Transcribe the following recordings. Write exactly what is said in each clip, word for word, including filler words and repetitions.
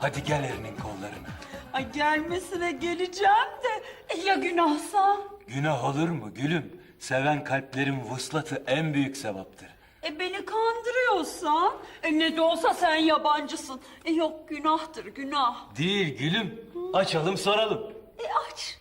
Hadi gel erinin kollarına. Ay gelmesine geleceğim de e, ya günahsa? Günah olur mu gülüm? Seven kalplerin vuslatı en büyük sevaptır. E beni kandırıyorsan, e ne de olsa sen yabancısın. E yok günahtır günah. Değil gülüm. Açalım soralım. E aç.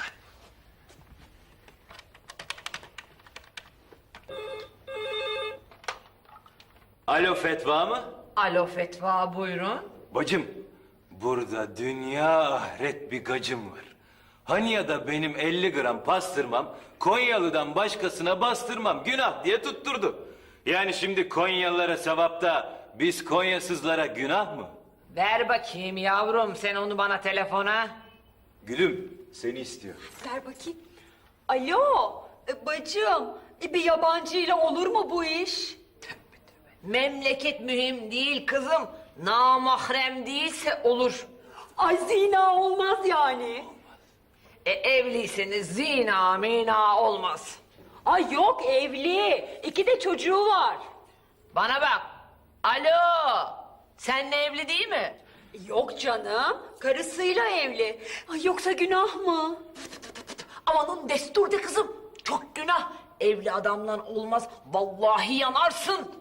Alo fetva mı? Alo Fetva buyurun. Bacım, burada dünya ahiret bir gacım var. Hani ya da benim elli gram pastırmam Konyalı'dan başkasına bastırmam günah diye tutturdu. Yani şimdi Konyalılara sevapta biz Konyasızlara günah mı? Ver bakayım yavrum sen onu bana telefona. Gülüm seni istiyor. Ver bakayım. Alo e, bacım, e, bir yabancıyla olur mu bu iş? Memleket mühim değil kızım. Namahrem değilse olur. Ay zina olmaz yani. E evliyseniz zina mina olmaz. Ay yok evli. İki de çocuğu var. Bana bak. Alo. Seninle evli değil mi? Yok canım. Karısıyla evli. Ay yoksa günah mı? Amanın destur de kızım. Çok günah. Evli adamdan olmaz. Vallahi yanarsın.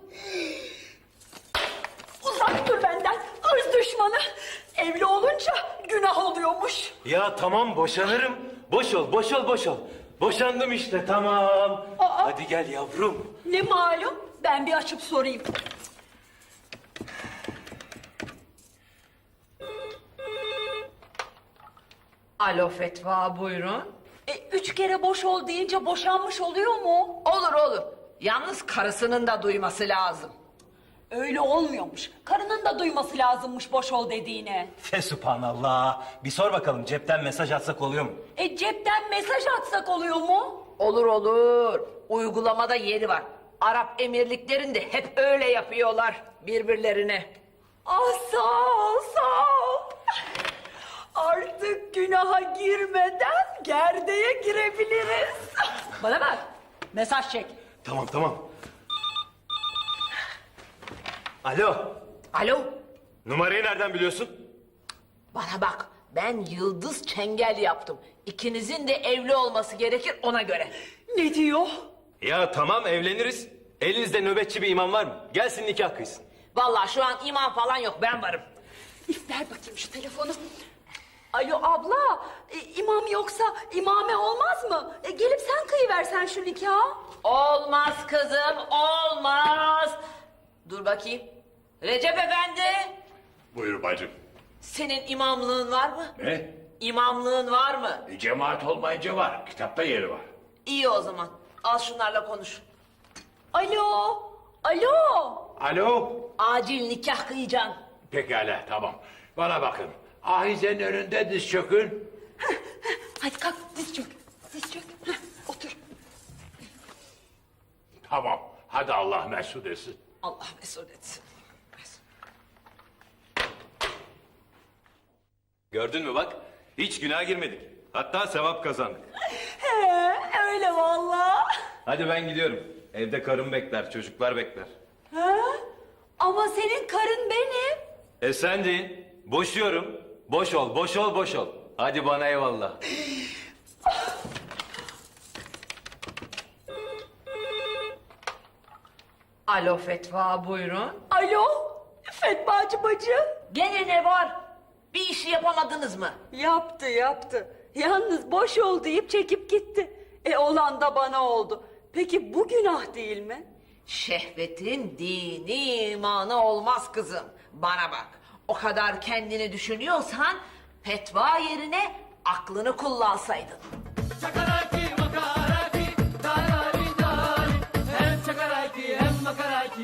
Uzak dur benden. Hırs düşmanı. Evli olunca günah oluyormuş. Ya tamam boşanırım. Boş ol, boş ol, boş ol. Boşandım işte tamam. Aa. Hadi gel yavrum. Ne malum? Ben bir açıp sorayım. Alo Fetva buyurun. E, üç kere boş ol deyince boşanmış oluyor mu? Olur olur. Yalnız karısının da duyması lazım. Öyle olmuyormuş. Karının da duyması lazımmış boş ol dediğine. Fesubhanallah. Bir sor bakalım cepten mesaj atsak oluyor mu? E cepten mesaj atsak oluyor mu? Olur olur. Uygulamada yeri var. Arap emirliklerinde hep öyle yapıyorlar birbirlerine. Ah sağ ol, sağ ol. Artık günaha girmeden gerdeğe girebiliriz. Bana bak, mesaj çek. Tamam tamam. Alo. Alo. Numarayı nereden biliyorsun? Bana bak. Ben yıldız çengel yaptım. İkinizin de evli olması gerekir ona göre. Ne diyor? Ya tamam evleniriz. Elinizde nöbetçi bir imam var mı? Gelsin nikah kıysın. Vallahi şu an iman falan yok ben varım. Ver bakayım şu telefonu. Alo abla, e, imam yoksa imame olmaz mı? E, gelip sen kıyıversen şu nikahı. Olmaz kızım olmaz. Dur bakayım. Recep Efendi. Buyur bacım. Senin imamlığın var mı? Ne? İmamlığın var mı? E, cemaat olmayınca var. Kitapta yeri var. İyi o zaman. Al şunlarla konuş. Alo, alo. Alo. Acil nikah kıyacaksın. Pekala tamam. Bana bakın. Ahizenin önünde diz çökün. Hadi kalk, diz çök, diz çök. Heh, otur. Tamam. Hadi Allah mesut etsin. Allah mesut etsin. Mesut. Gördün mü bak? Hiç günah girmedik. Hatta sevap kazandık. He, öyle vallahi. Hadi ben gidiyorum. Evde karım bekler, çocuklar bekler. Ha? Ama senin karın benim. E sen deyin. Boşuyorum. Boş ol, boş ol, boş ol. Hadi bana eyvallah. Alo Fetva buyurun. Alo, Fetbacı bacı. Gene ne var? Bir işi yapamadınız mı? Yaptı, yaptı. Yalnız boş ol deyip çekip gitti. E olan da bana oldu. Peki bu günah değil mi? Şehvetin dini imanı olmaz kızım. Bana bak. O kadar kendini düşünüyorsan fetva yerine aklını kullansaydın. Çakara